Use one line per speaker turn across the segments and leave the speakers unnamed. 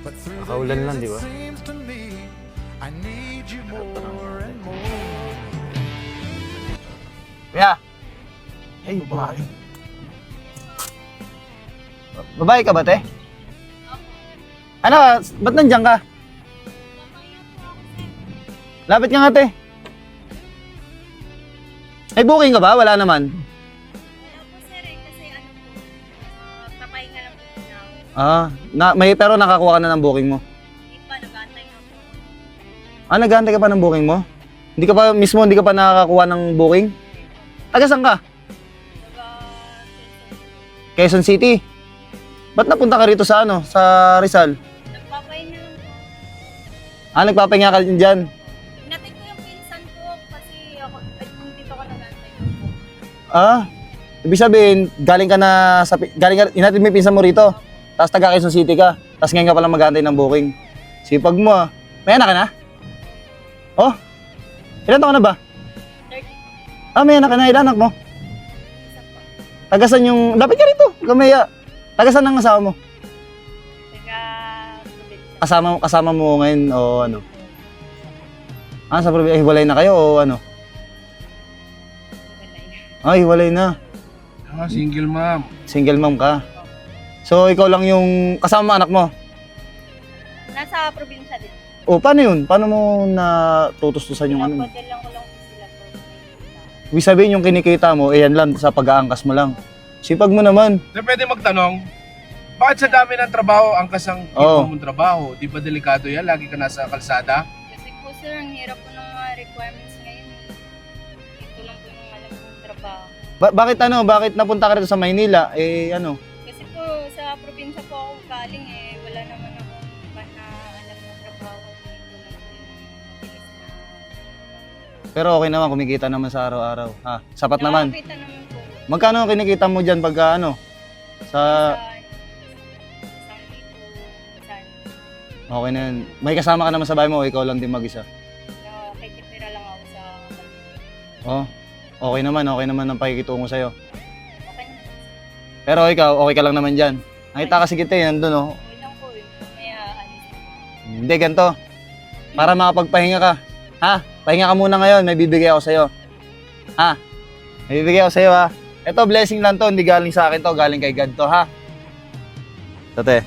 Nakaulan lang, di ba?
Kuya! Ay, babae. Babae ka ba, te? Ano, ba't nandiyan ka? Lapit ka nga, te. May booking ka ba? Wala naman.
Wala po sir eh, kasi ano po, papahinga lang po
Pero nakakuha ka na ng booking mo.
Hindi pa, nag-aantay nga po.
Nag-aantay ka pa ng booking mo? Hindi ka pa nakakakuha ng booking? Taga saan ka? Quezon City. Ba't napunta ka rito sa Rizal?
Nagpapahinga lang po.
Nagpapahinga ka din dyan.
Hinatid ko yung pinsan ko kasi ako, dito ko nag-aantay lang po.
Ibig sabihin, inatid mo yung pinsan mo rito. Tapos taga Quezon City ka. Tapos ngayon ka palang mag-aantay ng booking. Sipag mo ah. May anak ka na? Oh? Ilan taon ka na ba?
30.
May anak ka na. Ilan anak mo?
Isa po.
Tagasan yung... Lapit ka rito. Gamaya. Tagasan ang asawa mo.
Taga-probinsya.
Kasama mo ngayon o ano? Sa probinsya. Hiwalay na kayo o ano? Hiwalay na.
Single mom.
Single mom ka. So, ikaw lang yung kasama anak mo?
Nasa probinsya din.
Paano yun? Paano mo natutustusan yung ano?
Pinapadal lang ko lang po sila po. Maynila.
Ibig sabihin yung kinikita mo, yan lang, sa pag-aangkas mo lang. Sipag mo naman.
Pwede magtanong, bakit sa dami ng trabaho, angkas ang iba mong trabaho? Di ba delikado yan? Lagi ka nasa kalsada?
Kasi po sir, ang hirap po ng mga requirements ngayon eh. Ito lang po yung alam kong trabaho.
Bakit napunta ka rito sa Maynila?
Kasi po sa probinsya po ako galing eh. Wala naman ako pa na alam na trabaho. Ito lang po yung mabilis na.
Pero okay naman, kumikita naman sa araw-araw. Sapat naman.
Nakakita naman po.
Magkano ang kinikita mo dyan pagka sa...
Isang libo, saan.
Okay na yan. May kasama ka naman sa bahay mo o ikaw lang din mag-isa?
Nakikitira lang ako sa
Okay naman ang pakikitungo sa'yo.
okay na.
Pero ikaw, okay ka lang naman dyan. Nakita kasi kita nandun
Okay lang po eh. May alis.
Hindi, ganito. Para makapagpahinga ka. Pahinga ka muna ngayon, may bibigay ako sa'yo. May bibigay ako sa'yo Ito, blessing lang to, hindi galing sa akin to, galing kay God to, Tate.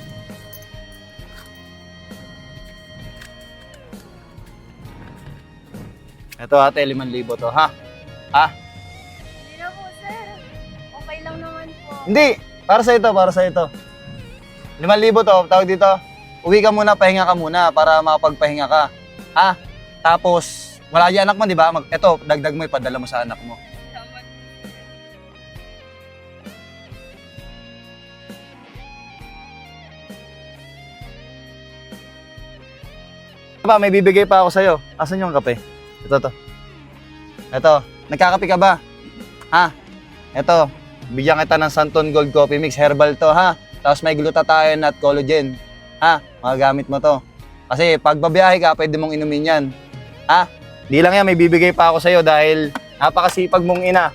Ito ate, 5,000 to,
Hindi na po sir. Okay lang naman po.
Hindi, para sa ito. 5,000 to, tawag dito. Uwi ka muna, pahinga ka muna para makapagpahinga ka. Tapos, wala yung anak mo, di ba? Ito, dagdag mo, ipadala mo sa anak mo.
Salamat.
May bibigay pa ako sa'yo. Asan yung kape? Ito. Nagkakape ka ba? Ito, bigyan kita ng Santon Gold Coffee Mix. Herbal to, Tapos may glutathione at collagen. Magagamit mo to. Kasi pag babiyahe ka, pwede mong inumin yan. Di lang yan, may bibigay pa ako sa'yo dahil napakasipag mong ina.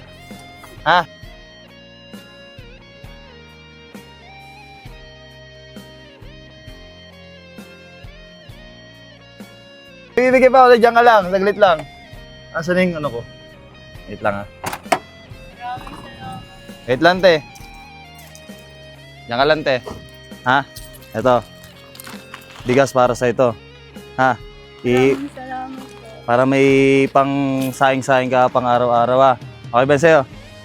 Bibigay pa ako, dyan ka lang, saglit lang. Asan na yung ko? Wait lang
Maraming salamat.
Wait lang, te. Diyan ka lang, te. Ito. Bigas para sa ito.
Maraming salamat po.
Para may pang saing-saing ka pang araw-araw, Okay ba sa'yo?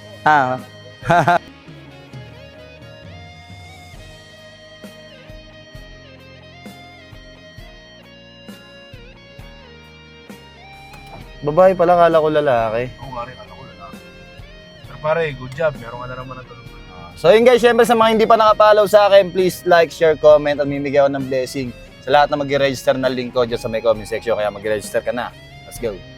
Babae pala, kala ko lalaki.
Oo nga rin, ko lalaki. Pero pare, good job. Meron ka na naman ng tulong.
So yun guys, syempre sa mga hindi pa nakapollow sa akin, please like, share, comment, at mimigay ako ng blessing sa lahat na mag-register na link ko dyan sa may comment section. Kaya mag-register ka na. Let's go.